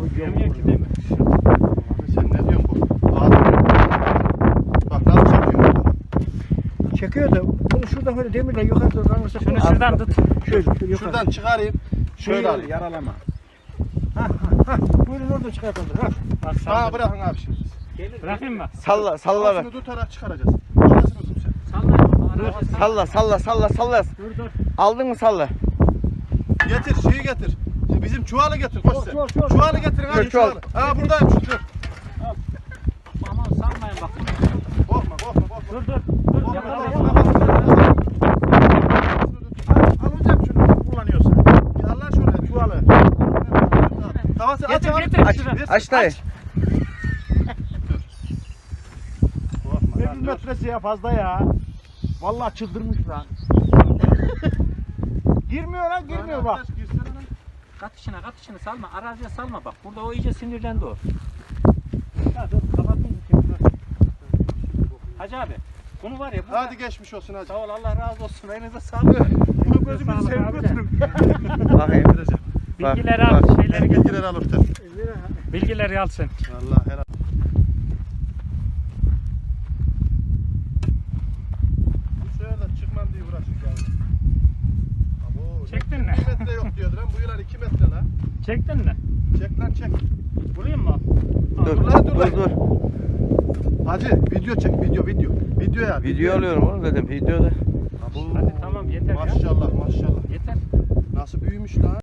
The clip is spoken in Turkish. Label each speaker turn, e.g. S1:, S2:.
S1: Demiyor ki demir.
S2: Sen ne diyorsun bu? Bak nasıl çekiyor.
S3: Çekiyor da bunu şuradan böyle demirle yukarı doğru kalırsa
S1: Şunu şuradan tut.
S3: şöyle yukarı.
S2: Şuradan çıkarayım. Şöyle alayım.
S3: Yaralama. Buyurun orada çıkartalım.
S1: Bak
S2: Ha
S1: salla.
S2: bırakın abi şimdi.
S1: Bırakayım mı?
S4: Salla salla ver.
S2: Kafasını tutarak çıkaracağız. Kafasını tut sen.
S1: Salla.
S4: Salla.
S1: Dur.
S4: Aldın mı salla?
S2: Getir şeyi getir. Bizim çuvalı getir koş sen.
S3: Çuval.
S2: Çuvalı getirin hadi
S4: Çuval.
S2: çuvalı. Ha buradayım şu dur.
S1: Aman salmayın bak.
S2: Korkma.
S1: Dur.
S2: Korkma.
S3: Alacağım şunu kullanıyorsan.
S2: Allah şuraya çuvalı. Kafası aç abi.
S1: Getir.
S4: Aç, aç dayı.
S2: Korkma.
S3: 1 metresi ya fazla ya. Vallahi çıldırmış lan. Girmiyor bak.
S1: Kat içine salma. Araziye salma bak. Burada o iyice sinirlendi o. Hacı abi. Bunu var ya.
S2: Hadi geçmiş olsun hadi.
S1: Sağ ol Allah razı olsun. Elinize sağlık.
S3: Bunu gözümü sevip götürün.
S4: Bakayım.
S1: Bilgileri al. Şeyleri getir.
S2: Bilgileri al orta.
S1: Bilgileri al sen.
S2: Allah helal. Bu sefer de çıkmam diye uğraştık yani. Abo,
S1: Çektin mi?
S2: 2 metre yok diyordu lan. Bu yılan 2 metre lan.
S1: Çektin mi?
S2: Çek lan çek.
S1: Vurayım mı?
S4: Dur.
S2: Hacı video çek video. Video ya.
S4: Video alıyorum oğlum dedim videoda.
S2: Abo.
S1: Hadi tamam yeter ya.
S2: Maşallah.
S1: Yeter.
S2: Nasıl büyümüş lan.